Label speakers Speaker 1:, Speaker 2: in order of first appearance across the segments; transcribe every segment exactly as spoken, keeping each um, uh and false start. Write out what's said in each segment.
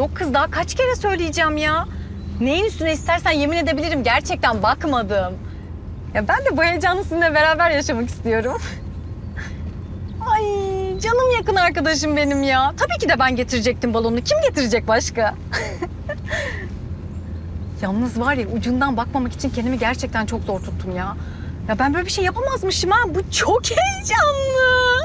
Speaker 1: Yok kız, daha kaç kere söyleyeceğim ya. Neyin üstüne istersen yemin edebilirim, gerçekten bakmadım. Ya ben de bu heyecanı sizinle beraber yaşamak istiyorum. Ay canım yakın arkadaşım benim ya. Tabii ki de ben getirecektim balonu. Kim getirecek başka? Yalnız var ya, ucundan bakmamak için kendimi gerçekten çok zor tuttum ya. Ya ben böyle bir şey yapamazmışım ha. Bu çok heyecanlı.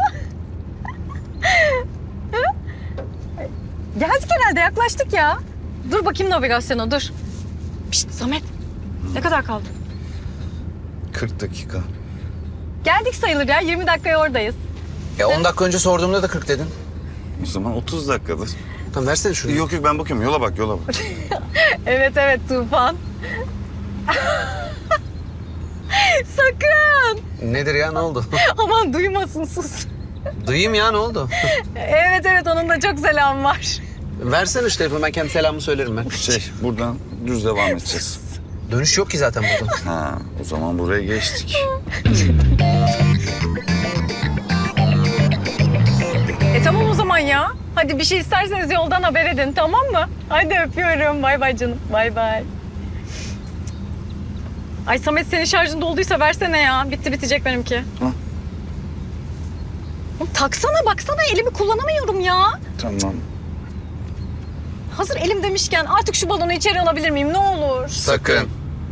Speaker 1: Geldik herhalde, yaklaştık ya. Dur bakayım navigasyona, dur. Pişt Samet, ne kadar kaldı?
Speaker 2: kırk dakika.
Speaker 1: Geldik sayılır ya, yirmi dakikaya oradayız.
Speaker 3: E on dakika önce sorduğumda da kırk dedin.
Speaker 2: O zaman otuz dakikadır.
Speaker 3: Tamam versene şunu.
Speaker 2: Yok yok ben bakıyorum. Yola bak yola bak.
Speaker 1: Evet evet Tufan. Sakın.
Speaker 3: Nedir ya, ne oldu?
Speaker 1: Aman duymasın, sus.
Speaker 3: Duyayım ya, ne oldu?
Speaker 1: Evet evet, onun da çok selam var.
Speaker 3: Versene şu telefonu, ben kendi selamımı söylerim ben.
Speaker 2: Şey buradan düz devam edeceğiz.
Speaker 3: Dönüş yok ki zaten buradan.
Speaker 2: Ha o zaman buraya geçtik.
Speaker 1: E tamam o zaman ya. Hadi bir şey isterseniz yoldan haber edin, tamam mı? Hadi öpüyorum. Bay bay canım. Bay bay. Ay Samet, senin şarjın dolduysa versene ya. Bitti bitecek benimki.
Speaker 2: Hı.
Speaker 1: Oğlum, taksana baksana, elimi kullanamıyorum ya.
Speaker 2: Tamam.
Speaker 1: Hazır elim demişken artık şu balonu içeri alabilir miyim, ne olur?
Speaker 3: Sakın.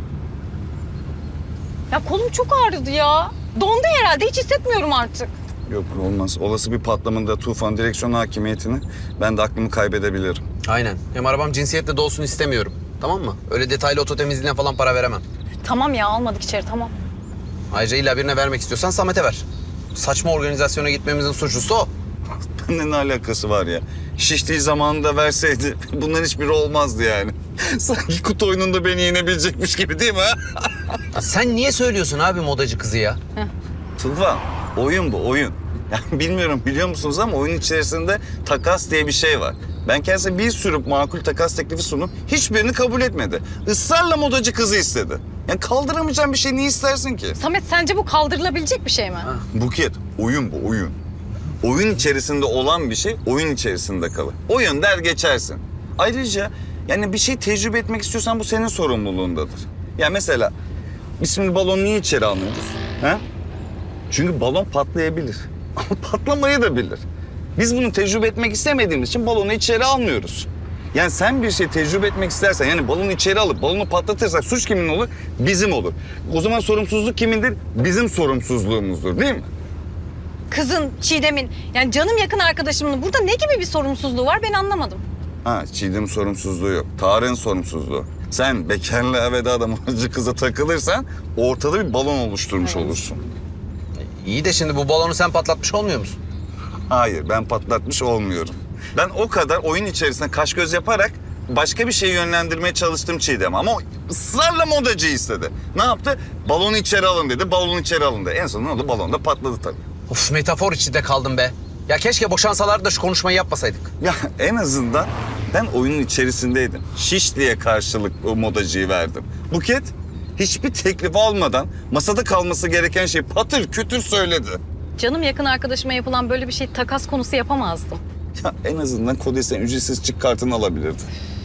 Speaker 1: Ya kolum çok ağrıdı ya. Dondu herhalde, hiç hissetmiyorum artık.
Speaker 2: Yok olmaz. Olası bir patlamada Tufan direksiyon hakimiyetini ben de aklımı kaybedebilirim.
Speaker 3: Aynen. Hem arabam cinsiyetle dolsun istemiyorum. Tamam mı? Öyle detaylı oto temizliğine falan para veremem.
Speaker 1: Tamam ya, almadık içeri, tamam.
Speaker 3: Ayrıca illa birine vermek istiyorsan Samet'e ver. Saçma organizasyona gitmemizin suçlusu o.
Speaker 2: Bende ne alakası var ya? Şiştiği zamanında verseydi bunların hiçbiri olmazdı yani. Sanki kutu oyununda beni yenebilecekmiş gibi değil mi?
Speaker 3: Ya sen niye söylüyorsun abi modacı kızı ya?
Speaker 2: Tufan oyun bu oyun. Yani bilmiyorum biliyor musunuz ama oyun içerisinde takas diye bir şey var. Ben kendisine bir sürü makul takas teklifi sundum. Hiçbirini kabul etmedi. Israrla modacı kızı istedi. Yani kaldıramayacağım bir şey niye istersin ki?
Speaker 1: Samet, sence bu kaldırılabilecek bir şey mi?
Speaker 2: Buket, oyun bu oyun. Oyun içerisinde olan bir şey oyun içerisinde kalır. Oyun der geçersin. Ayrıca yani bir şey tecrübe etmek istiyorsan bu senin sorumluluğundadır. Ya mesela biz şimdi balonu niye içeri almıyoruz? He? Çünkü balon patlayabilir. Ama patlamayı da bilir. Biz bunu tecrübe etmek istemediğimiz için balonu içeri almıyoruz. Yani sen bir şey tecrübe etmek istersen, yani balonu içeri alıp balonu patlatırsak suç kimin olur? Bizim olur. O zaman sorumsuzluk kimindir? Bizim sorumsuzluğumuzdur değil mi?
Speaker 1: Kızın, Çiğdem'in, yani canım yakın arkadaşımın burada ne gibi bir sorumsuzluğu var, ben anlamadım.
Speaker 2: Ha, Çiğdem'in sorumsuzluğu yok. Tarık'ın sorumsuzluğu. Sen bekarlı veda modacı kıza takılırsan ortada bir balon oluşturmuş
Speaker 1: Evet.
Speaker 2: olursun.
Speaker 3: İyi de şimdi bu balonu sen patlatmış olmuyor musun?
Speaker 2: Hayır, ben patlatmış olmuyorum. Ben o kadar oyun içerisinde kaş göz yaparak başka bir şeyi yönlendirmeye çalıştım Çiğdem. Ama o ısrarla modacı istedi. Ne yaptı? Balonu içeri alın dedi, balonu içeri alın dedi. En sonunda ne oldu? Balon da patladı tabii.
Speaker 3: Of, metafor içinde kaldım be. Ya keşke boşansalardı da şu konuşmayı yapmasaydık.
Speaker 2: Ya en azından ben oyunun içerisindeydim. Şiş diye karşılık o modacıyı verdim. Buket hiçbir teklif almadan masada kalması gereken şeyi patır kütür söyledi.
Speaker 1: Canım yakın arkadaşıma yapılan böyle bir şey takas konusu yapamazdım.
Speaker 2: Ya en azından Kodes'ten ücretsiz çık kartını alabilirdi.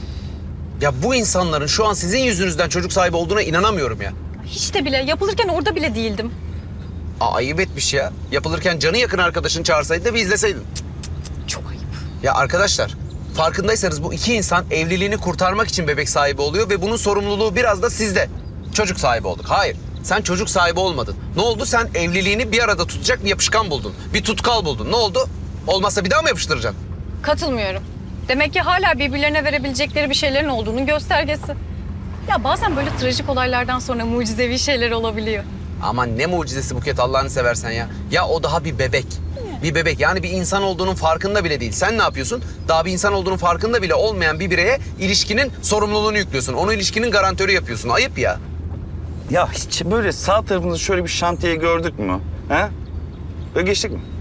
Speaker 3: Ya bu insanların şu an sizin yüzünüzden çocuk sahibi olduğuna inanamıyorum ya.
Speaker 1: Hiç de bile, yapılırken orada bile değildim.
Speaker 3: Aa, ayıp etmiş ya. Yapılırken canı yakın arkadaşını çağırsaydı da bir izleseydin.
Speaker 1: Çok ayıp.
Speaker 3: Ya arkadaşlar, farkındaysanız bu iki insan evliliğini kurtarmak için bebek sahibi oluyor ve bunun sorumluluğu biraz da sizde. Çocuk sahibi olduk. Hayır, sen çocuk sahibi olmadın. Ne oldu? Sen evliliğini bir arada tutacak bir yapışkan buldun. Bir tutkal buldun. Ne oldu? Olmazsa bir daha mı yapıştıracaksın?
Speaker 1: Katılmıyorum. Demek ki hala birbirlerine verebilecekleri bir şeylerin olduğunun göstergesi. Ya bazen böyle trajik olaylardan sonra mucizevi şeyler olabiliyor.
Speaker 3: Aman ne mucizesi Buket, Allah'ını seversen ya. Ya o daha bir bebek. Bir bebek, yani bir insan olduğunun farkında bile değil. Sen ne yapıyorsun? Daha bir insan olduğunun farkında bile olmayan bir bireye ilişkinin sorumluluğunu yüklüyorsun. Onu ilişkinin garantörü yapıyorsun. Ayıp ya.
Speaker 2: Ya hiç böyle sağ tarafımızda şöyle bir şantiye gördük mü? He? Böyle geçtik mi?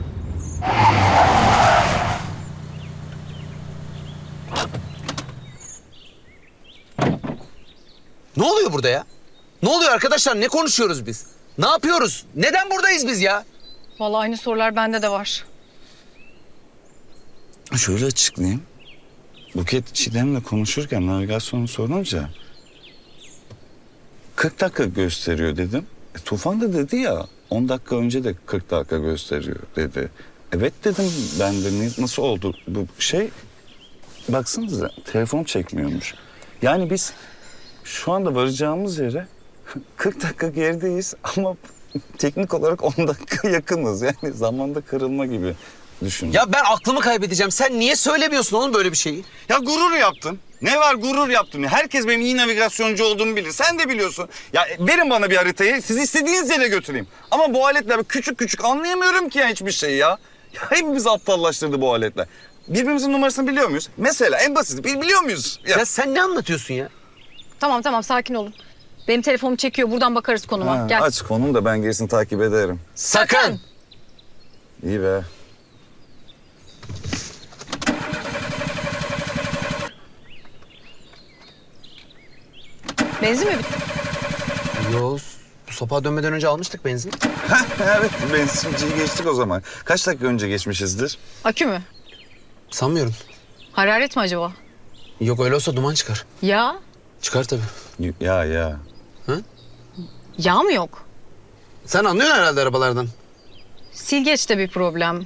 Speaker 3: Ne oluyor burada ya? Ne oluyor arkadaşlar? Ne konuşuyoruz biz? Ne yapıyoruz? Neden buradayız biz ya?
Speaker 1: Vallahi aynı sorular bende de var.
Speaker 2: Şöyle açıklayayım. Buket Çiğdem'le konuşurken navigasyonu sorunca kırk dakika gösteriyor dedim. E, Tufan da dedi ya on dakika önce de kırk dakika gösteriyor dedi. Evet dedim ben de "Ne- nasıl oldu bu şey? Baksanıza telefon çekmiyormuş. Yani biz şu anda varacağımız yere kırk dakika gerideyiz ama teknik olarak on dakika yakınız. Yani zamanda kırılma gibi düşün.
Speaker 3: Ya ben aklımı kaybedeceğim. Sen niye söylemiyorsun oğlum böyle bir şeyi?
Speaker 2: Ya gurur yaptın. Ne var gurur yaptın. Herkes benim iyi navigasyoncu olduğumu bilir. Sen de biliyorsun. Ya verin bana bir haritayı. Sizi istediğiniz yere götüreyim. Ama bu aletler küçük küçük anlayamıyorum ki ya hiçbir şeyi ya. Ya hepimizi aptallaştırdı bu aletler. Birbirimizin numarasını biliyor muyuz? Mesela en basit bil- biliyor muyuz? Ya,
Speaker 3: Ya sen ne anlatıyorsun ya?
Speaker 1: Tamam tamam sakin olun. Benim telefonum çekiyor. Buradan bakarız konuma.
Speaker 2: Ha,
Speaker 1: Gel.
Speaker 2: aç konum da ben gerisini takip ederim.
Speaker 3: Sakın.
Speaker 2: İyi be.
Speaker 1: Benzin mi bitti?
Speaker 3: Yo, bu sopağa dönmeden önce almıştık benzin.
Speaker 2: Evet benzinciyi geçtik o zaman. Kaç dakika önce geçmişizdir?
Speaker 1: Akü mü?
Speaker 3: Sanmıyorum.
Speaker 1: Hararet mi acaba?
Speaker 3: Yok öyle olsa duman çıkar.
Speaker 1: Ya.
Speaker 3: Çıkar tabii.
Speaker 2: Ya ya.
Speaker 1: Yağ mı yok?
Speaker 3: Sen anlıyorsun herhalde arabalardan.
Speaker 1: Silgeçte bir problem.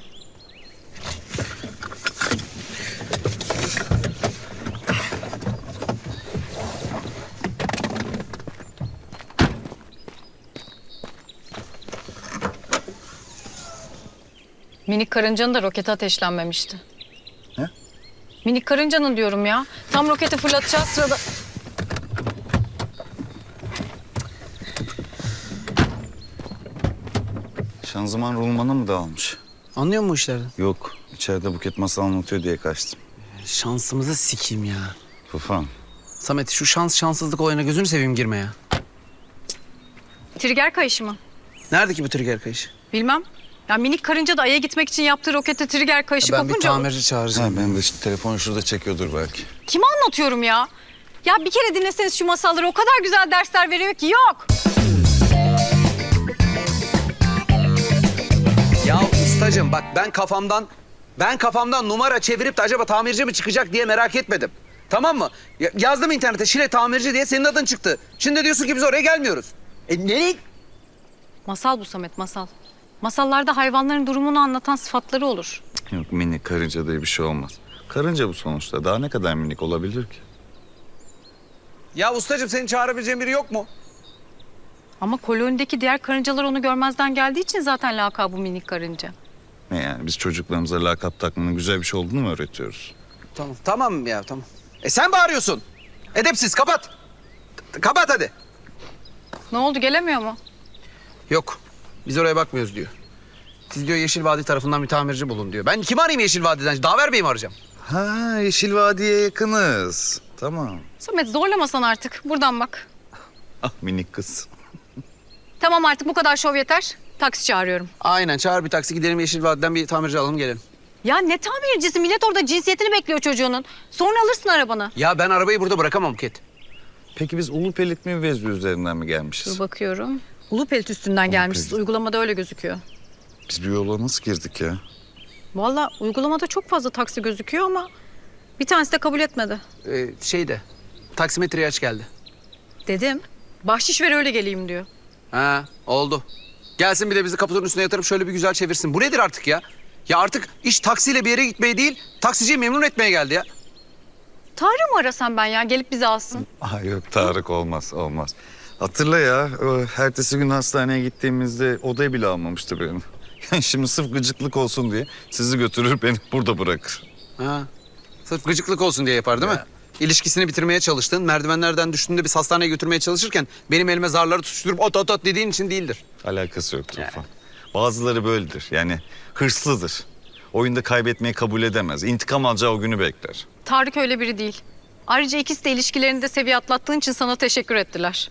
Speaker 1: Minik karıncanın da roketi ateşlenmemişti.
Speaker 2: Ne?
Speaker 1: Minik karıncanın diyorum ya. Tam roketi fırlatacağı sırada...
Speaker 2: Şanzıman rulmanı mı dağılmış?
Speaker 3: Anlıyor musun bu işlerden?
Speaker 2: Yok. İçeride Buket masal anlatıyor diye kaçtım.
Speaker 3: Şansımızı sikeyim ya.
Speaker 2: Tufan.
Speaker 3: Samet şu şans şanssızlık olayına gözünü seveyim girme ya.
Speaker 1: Trigger kayışı mı?
Speaker 3: Nerede ki bu trigger kayışı?
Speaker 1: Bilmem. Ya minik karınca da Ay'a gitmek için yaptığı rokete trigger kayışı
Speaker 3: Ben bir
Speaker 1: kopunca...
Speaker 3: tamirci çağıracağım.
Speaker 2: Ha, ben de işte telefonu şurada çekiyordur belki.
Speaker 1: Kime anlatıyorum ya? Ya bir kere dinleseniz şu masalları o kadar güzel dersler veriyor ki yok.
Speaker 3: Ya ustacığım bak ben kafamdan ben kafamdan numara çevirip de acaba tamirci mi çıkacak diye merak etmedim. Tamam mı? Ya- yazdım internete Şile tamirci diye senin adın çıktı. Şimdi diyorsun ki biz oraya gelmiyoruz. E nereye?
Speaker 1: Masal bu Samet, masal. Masallarda hayvanların durumunu anlatan sıfatları olur.
Speaker 2: Yok minik karınca diye bir şey olmaz. Karınca bu sonuçta. Daha ne kadar minik olabilir ki?
Speaker 3: Ya ustacığım senin çağırabileceğin biri yok mu?
Speaker 1: Ama kolonideki diğer karıncalar onu görmezden geldiği için zaten lakabı minik karınca.
Speaker 2: Ne yani biz çocuklarımıza lakap takmanın güzel bir şey olduğunu mu öğretiyoruz?
Speaker 3: Tamam tamam ya tamam. E sen bağırıyorsun. Edepsiz kapat. T- Kapat hadi.
Speaker 1: Ne oldu, gelemiyor mu?
Speaker 3: Yok biz oraya bakmıyoruz diyor. Siz diyor Yeşil Vadi tarafından bir tamirci bulun diyor. Ben kimi arayayım Yeşil Vadi'den? Daver Bey'i mi arayacağım?
Speaker 2: Ha Yeşil Vadi'ye yakınız. Tamam.
Speaker 1: Samet zorlamasan artık, buradan bak.
Speaker 2: Ah minik kız.
Speaker 1: Tamam artık bu kadar şov yeter. Taksi çağırıyorum.
Speaker 3: Aynen çağır bir taksi gidelim Yeşil Vadi'den bir tamirci alalım gelelim.
Speaker 1: Ya ne tamircisi? Millet orada cinsiyetini bekliyor çocuğunun. Sonra alırsın arabanı.
Speaker 3: Ya ben arabayı burada bırakamam Buket.
Speaker 2: Peki biz Ulupelit mi Vezli üzerinden mi
Speaker 1: Dur
Speaker 2: gelmişiz?
Speaker 1: bakıyorum. Ulupelit üstünden gelmişiz.
Speaker 2: Ulupelit.
Speaker 1: Uygulamada öyle gözüküyor.
Speaker 2: Biz bir yola nasıl girdik ya?
Speaker 1: Vallahi uygulamada çok fazla taksi gözüküyor ama bir tanesi de kabul etmedi.
Speaker 3: Ee, şeyde taksimetreye aç geldi.
Speaker 1: Dedim. Bahşiş ver öyle geleyim diyor.
Speaker 3: Ha oldu. Gelsin bir de bizi kaputun üstüne yatırıp şöyle bir güzel çevirsin. Bu nedir artık ya? Ya artık iş taksiyle bir yere gitmeye değil, taksiciyi memnun etmeye geldi ya.
Speaker 1: Tarık mı arasam ben ya gelip bizi alsın?
Speaker 2: Ah yok Tarık olmaz olmaz. Hatırla ya o ertesi gün hastaneye gittiğimizde odayı bile almamıştı beni. Yani şimdi sırf gıcıklık olsun diye sizi götürür beni burada bırakır.
Speaker 3: Ha. Sırf gıcıklık olsun diye yapar değil mi? İlişkisini bitirmeye çalıştın, merdivenlerden düştüğünde biz hastaneye götürmeye çalışırken benim elime zarları tutuşturup ot ot ot dediğin için değildir.
Speaker 2: Alakası yok Tufan. Bazıları böyledir yani hırslıdır. Oyunda kaybetmeyi kabul edemez. İntikam alacağı o günü bekler.
Speaker 1: Tarık öyle biri değil. Ayrıca ikisi de ilişkilerinde seviye atlattığın için sana teşekkür ettiler.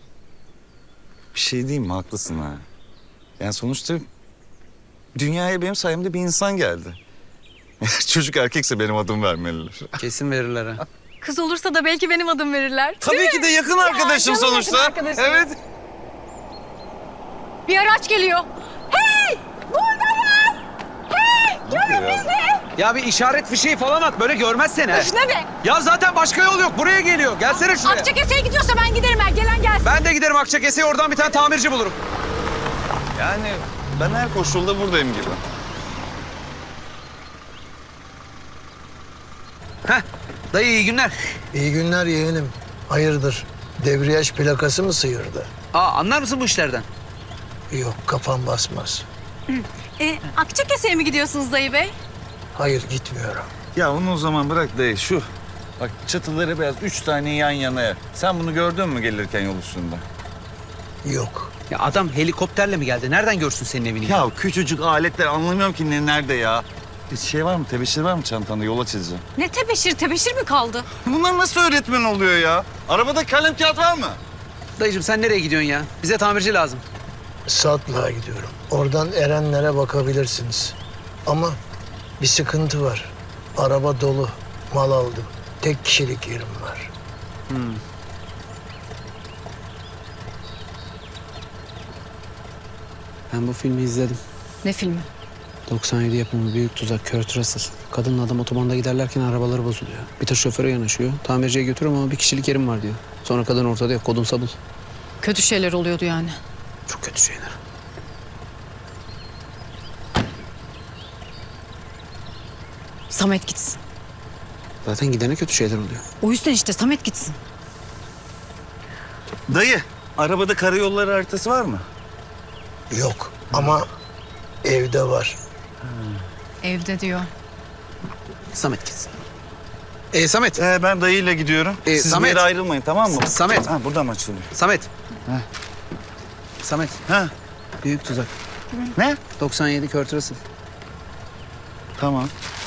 Speaker 2: Bir şey diyeyim mi? Haklısın ha. Yani sonuçta dünyaya benim sayemde bir insan geldi. Çocuk erkekse benim adım vermeliler.
Speaker 3: Kesin verirler ha.
Speaker 1: Kız olursa da belki benim adım verirler.
Speaker 2: Tabii ki de yakın arkadaşım
Speaker 1: canım
Speaker 2: sonuçta.
Speaker 1: yakın arkadaşım.
Speaker 2: Evet.
Speaker 1: Bir araç geliyor. Hey! Buradayız! Hey!
Speaker 2: Ne oluyor
Speaker 1: Görün
Speaker 2: ya?
Speaker 1: bizi!
Speaker 3: Ya bir işaret fişeği falan at. Böyle görmez seni.
Speaker 1: Öf ne be?
Speaker 3: Ya zaten başka yol yok. Buraya geliyor. Gelsene şuraya.
Speaker 1: Akçakese'ye gidiyorsa ben giderim ben. Gelen gelsin.
Speaker 3: Ben de giderim Akçakese'ye. Oradan bir tane tamirci bulurum.
Speaker 2: Yani ben her koşulda buradayım gibi.
Speaker 3: Heh. Dayı iyi günler.
Speaker 4: İyi günler yeğenim. Hayırdır? Debriyaj plakası mı sıyırdı?
Speaker 3: Aa, anlar mısın bu işlerden?
Speaker 4: Yok, kafam basmaz.
Speaker 1: E, Akçakese'ye mi gidiyorsunuz dayı bey?
Speaker 4: Hayır, gitmiyorum.
Speaker 2: Ya onu o zaman bırak dayı şu. Bak çatıları beyaz üç tane yan yana. Sen bunu gördün mü gelirken yol üstünde?
Speaker 4: Yok.
Speaker 3: Ya adam helikopterle mi geldi? Nereden görsün senin evini?
Speaker 2: Ya küçücük aletler anlamıyorum ki ne nerede ya. Bir şey var mı? Tebeşir var mı çantanda? Yola çizeceğim.
Speaker 1: Ne tebeşir tebeşir mi kaldı?
Speaker 2: Bunlar nasıl öğretmen oluyor ya? Arabada kalem kağıt var mı?
Speaker 3: Dayıcığım sen nereye gidiyorsun ya? Bize tamirci lazım.
Speaker 4: Satlığa gidiyorum. Oradan Erenlere bakabilirsiniz. Ama bir sıkıntı var. Araba dolu. Mal aldım. Tek kişilik yerim var.
Speaker 3: Ben bu filmi izledim.
Speaker 1: Ne filmi?
Speaker 3: doksan yedi yapımı Büyük Tuzak, Kurt Russell. Kadınla adam otobanda giderlerken arabaları bozuluyor. Bir tır şoföre yanaşıyor. Tamirciye götürüyorum ama bir kişilik yerim var diyor. Sonra kadın ortada yok. Kodumsa bul.
Speaker 1: Kötü şeyler oluyordu yani.
Speaker 3: Çok kötü şeyler.
Speaker 1: Samet gitsin.
Speaker 3: Zaten gidene kötü şeyler oluyor.
Speaker 1: O yüzden işte Samet gitsin.
Speaker 2: Dayı, arabada karayolları haritası var mı?
Speaker 4: Yok. Ama evde var.
Speaker 1: Evde diyor.
Speaker 3: Samet gitsin. Ee, Samet.
Speaker 2: Ee, ben dayıyla gidiyorum.
Speaker 3: Ee,
Speaker 2: Siz
Speaker 3: Samet.
Speaker 2: bir yere ayrılmayın tamam mı?
Speaker 3: Samet.
Speaker 2: Ha, buradan mı açılıyor?
Speaker 3: Samet. Samet.
Speaker 2: Ha,
Speaker 3: Büyük Tuzak.
Speaker 2: ne?
Speaker 3: doksan yedi Kurt Russell.
Speaker 2: Tamam.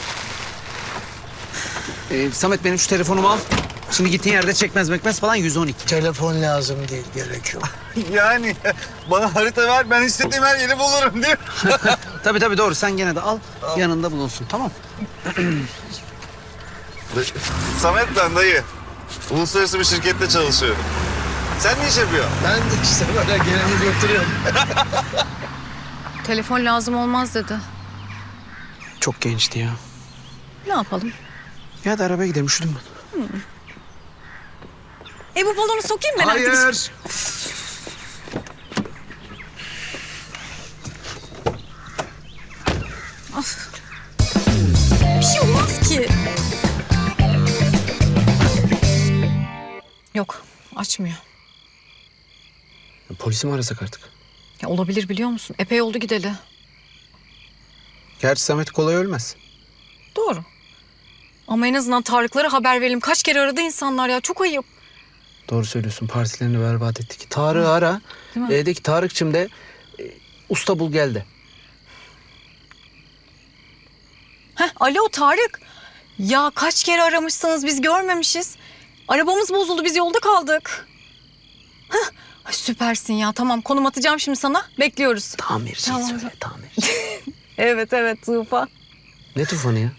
Speaker 3: Ee, Samet benim şu telefonumu al. Şimdi gittiğin yerde çekmez mekmez falan yüz on iki.
Speaker 4: Telefon lazım değil, gerek yok.
Speaker 2: Yani bana harita ver ben istediğim her yeri bulurum diyor.
Speaker 3: Tabii tabii doğru. Sen gene de al. Yanında bulunsun. Tamam.
Speaker 2: Samet ben dayı. Uluslararası bir şirkette çalışıyorum. Sen ne iş yapıyorsun?
Speaker 4: Ben de işte böyle geleni götürüyorum.
Speaker 1: Telefon lazım olmaz dedi.
Speaker 3: Çok gençti ya.
Speaker 1: Ne yapalım?
Speaker 3: Ya da arabaya gidelim. Üşüdüm ben.
Speaker 1: E bu balonu sokayım ben artık.
Speaker 3: Hayır.
Speaker 1: Bir şey olmaz ki. Yok açmıyor.
Speaker 3: Polisi mi arasak artık?
Speaker 1: Ya olabilir biliyor musun? Epey oldu gideli.
Speaker 3: Gerçi Samet kolay ölmez.
Speaker 1: Doğru. Ama en azından Tarık'lara haber verelim. Kaç kere aradı insanlar ya. Çok ayıp.
Speaker 3: Doğru söylüyorsun. Partilerini berbat ettik. Tarık'ı ara.
Speaker 1: Değil mi?
Speaker 3: E, de ki Tarık'cığım de e, usta bul gel de.
Speaker 1: Heh, alo Tarık. Ya kaç kere aramışsınız biz görmemişiz. Arabamız bozuldu biz yolda kaldık. Heh, ay süpersin ya tamam konum atacağım şimdi sana. Bekliyoruz.
Speaker 3: Tamirci
Speaker 1: Tamam.
Speaker 3: söyle tamirci.
Speaker 1: Evet evet Tufan.
Speaker 3: Ne tufanı ya?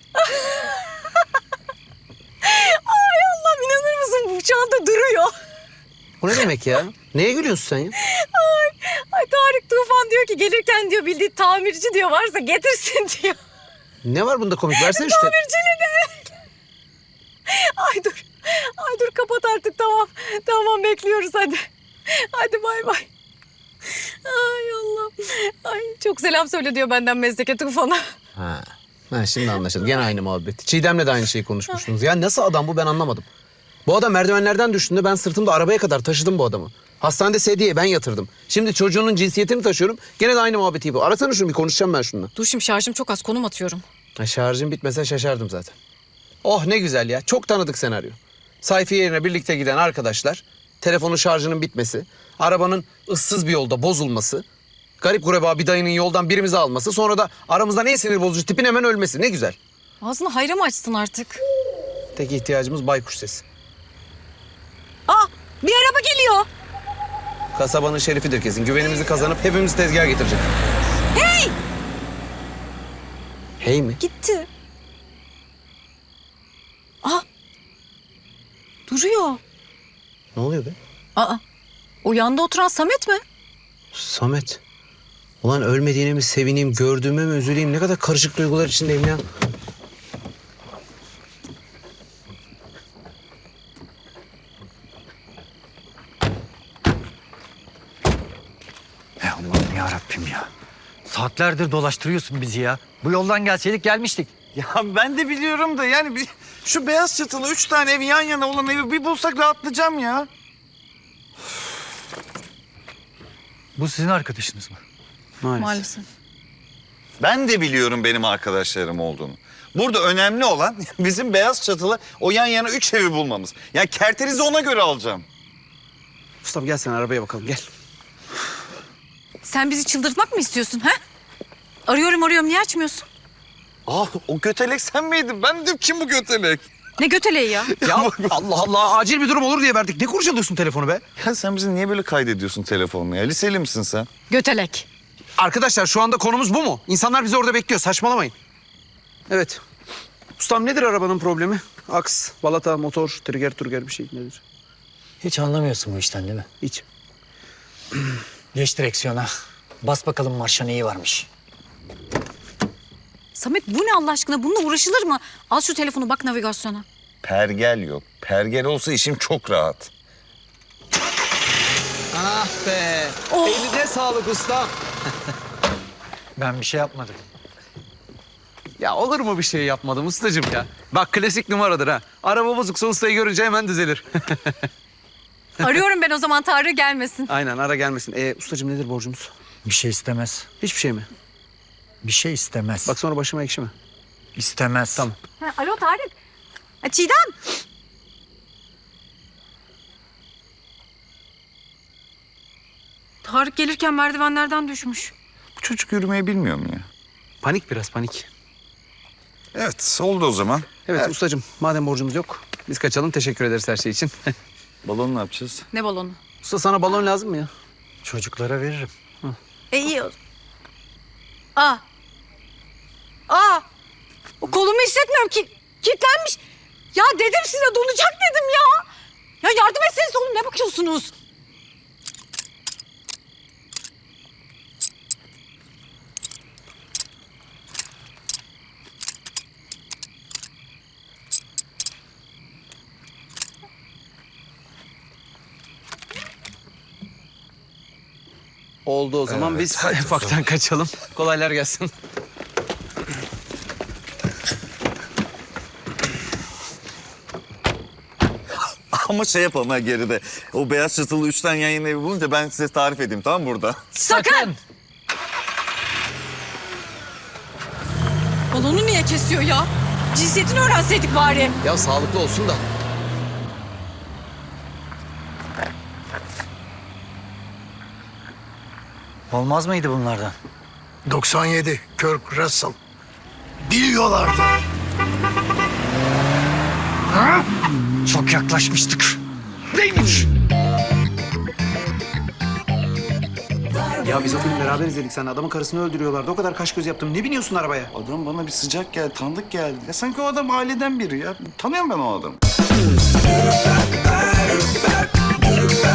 Speaker 1: Ay Allah'ım inanır mısın bu çanta duruyor.
Speaker 3: O ne demek ya? Neye gülüyorsun sen ya?
Speaker 1: Ay Tarık Tufan diyor ki gelirken diyor bildiği tamirci diyor varsa getirsin diyor.
Speaker 3: Ne var bunda komik? Versene işte.
Speaker 1: Tamirciyle de. Ay dur. Ay dur kapat artık tamam. Tamam bekliyoruz hadi. Hadi bay bay. Ay Allah. Ay çok selam söyle diyor benden Mezdeke Tufan'a.
Speaker 3: Ha. Ha, şimdi anlaşıldı. Gene aynı muhabbet. Çiğdem'le de aynı şeyi konuşmuştunuz. Ya nasıl adam bu ben anlamadım. Bu adam merdivenlerden düştüğünde ben sırtımda arabaya kadar taşıdım bu adamı. Hastanede sedyeye ben yatırdım. Şimdi çocuğunun cinsiyetini taşıyorum. Gene de aynı muhabbeti bu. Arasana şunu bir konuşacağım ben şununla.
Speaker 1: Dur şimdi şarjım çok az konum atıyorum.
Speaker 3: Ha, şarjım bitmese şaşardım zaten. Oh ne güzel ya. Çok tanıdık senaryo. Sayfiye yerine birlikte giden arkadaşlar. Telefonun şarjının bitmesi. Arabanın ıssız bir yolda bozulması. Garip gureba bir dayının yoldan birimizi alması. Sonra da aramızdan en sinir bozucu tipin hemen ölmesi. Ne güzel.
Speaker 1: Ağzını hayra mı açsın artık?
Speaker 3: Tek ihtiyacımız baykuş sesi.
Speaker 1: Aa bir araba geliyor.
Speaker 3: Kasabanın şerifidir kesin. Güvenimizi kazanıp hepimiz tezgaha getirecek.
Speaker 1: Hey!
Speaker 3: Hey mi?
Speaker 1: Gitti. Aa duruyor.
Speaker 3: Ne oluyor be?
Speaker 1: Aa o yanda oturan Samet mi?
Speaker 3: Samet. Ulan ölmediğine mi sevineyim, gördüğüme mi üzüleyim? Ne kadar karışık duygular içindeyim ya.
Speaker 5: Allah'ım ya Rabbim ya. Saatlerdir dolaştırıyorsun bizi ya. Bu yoldan gelseydik gelmiştik.
Speaker 2: Ya ben de biliyorum da yani bir, şu beyaz çatılı üç tane ev yan yana olan evi bir bulsak rahatlayacağım ya.
Speaker 5: Bu sizin arkadaşınız mı?
Speaker 1: Maalesef.
Speaker 2: Ben de biliyorum benim arkadaşlarım olduğunu. Burada önemli olan bizim beyaz çatılı o yan yana üç evi bulmamız. Ya kerterizi ona göre alacağım.
Speaker 3: Ustam gel sen arabaya bakalım gel.
Speaker 1: Sen bizi çıldırtmak mı istiyorsun ha? Arıyorum arıyorum niye açmıyorsun?
Speaker 2: Ah o götelek sen miydin? Ben dedim kim bu götelek?
Speaker 1: Ne göteleği ya?
Speaker 3: Ya Allah Allah acil bir durum olur diye verdik. Ne kurcalıyorsun telefonu be?
Speaker 2: Ya sen bizi niye böyle kaydediyorsun telefonla ya? Liseli misin sen?
Speaker 1: Götelek.
Speaker 3: Arkadaşlar şu anda konumuz bu mu? İnsanlar bizi orada bekliyor. Saçmalamayın. Evet. Ustam nedir arabanın problemi? Aks, balata, motor, trigger, turger bir şey nedir?
Speaker 5: Hiç anlamıyorsun bu işten değil mi?
Speaker 3: Hiç.
Speaker 5: Geç direksiyona. Bas bakalım marşa neyi varmış.
Speaker 1: Samet bu ne Allah aşkına? Bununla uğraşılır mı? Al şu telefonu bak navigasyona.
Speaker 2: Pergel yok. Pergel olsa işim çok rahat.
Speaker 3: Ah be.
Speaker 1: Oh.
Speaker 3: Eline sağlık ustam.
Speaker 5: Ben bir şey yapmadım.
Speaker 3: Ya olur mu bir şey yapmadım ustacığım ya? Bak klasik numaradır ha. Araba bozuksa ustayı görünce hemen düzelir.
Speaker 1: Arıyorum ben o zaman Tarık gelmesin.
Speaker 3: Aynen ara gelmesin. Ee, ustacığım nedir borcumuz?
Speaker 5: Bir şey istemez.
Speaker 3: Hiçbir şey mi?
Speaker 5: Bir şey istemez.
Speaker 3: Bak sonra başıma ekşi mi?
Speaker 5: istemez.
Speaker 3: Tamam.
Speaker 1: Ha, alo Tarık. Ha, Çiğdem. Tarık gelirken merdivenlerden düşmüş.
Speaker 2: Bu çocuk yürümeyi bilmiyor mu ya?
Speaker 3: Panik biraz panik.
Speaker 2: Evet oldu o zaman.
Speaker 3: Evet, ustacığım madem borcumuz yok biz kaçalım. Teşekkür ederiz her şey için.
Speaker 2: Balon ne yapacağız?
Speaker 1: Ne balonu?
Speaker 3: Usta sana balon lazım mı ya?
Speaker 5: Çocuklara veririm.
Speaker 1: E iyi o. Aa. Aa. O kolumu hissetmiyorum ki. Kilitlenmiş. Ya dedim size donacak dedim ya. Ya yardım etseniz oğlum ne bakıyorsunuz?
Speaker 3: Oldu o zaman
Speaker 2: Evet,
Speaker 3: biz
Speaker 2: hadi o
Speaker 3: ufaktan
Speaker 2: zaman.
Speaker 3: kaçalım. Kolaylar gelsin.
Speaker 2: Ama şey yapalım ha geride. O beyaz çatılı üç tane yan yana evi bulunca ben size tarif edeyim tamam mı burada?
Speaker 1: Sakın. Balonu niye kesiyor ya? Cinsiyetini öğrenseydik bari.
Speaker 3: Ya sağlıklı olsun da.
Speaker 5: Olmaz mıydı bunlardan?
Speaker 4: doksan yedi Kirk Russell. Biliyorlardı.
Speaker 5: Çok yaklaşmıştık.
Speaker 4: Neymiş?
Speaker 3: Ya biz o filmi beraber izledik sen. Adamın karısını öldürüyorlardı. O kadar kaş göz yaptım. Ne biniyorsun arabaya?
Speaker 2: Adam bana bir sıcak geldi, tanıdık geldi. Ya sanki o adam aileden biri ya. Tanıyorum ben o adamı.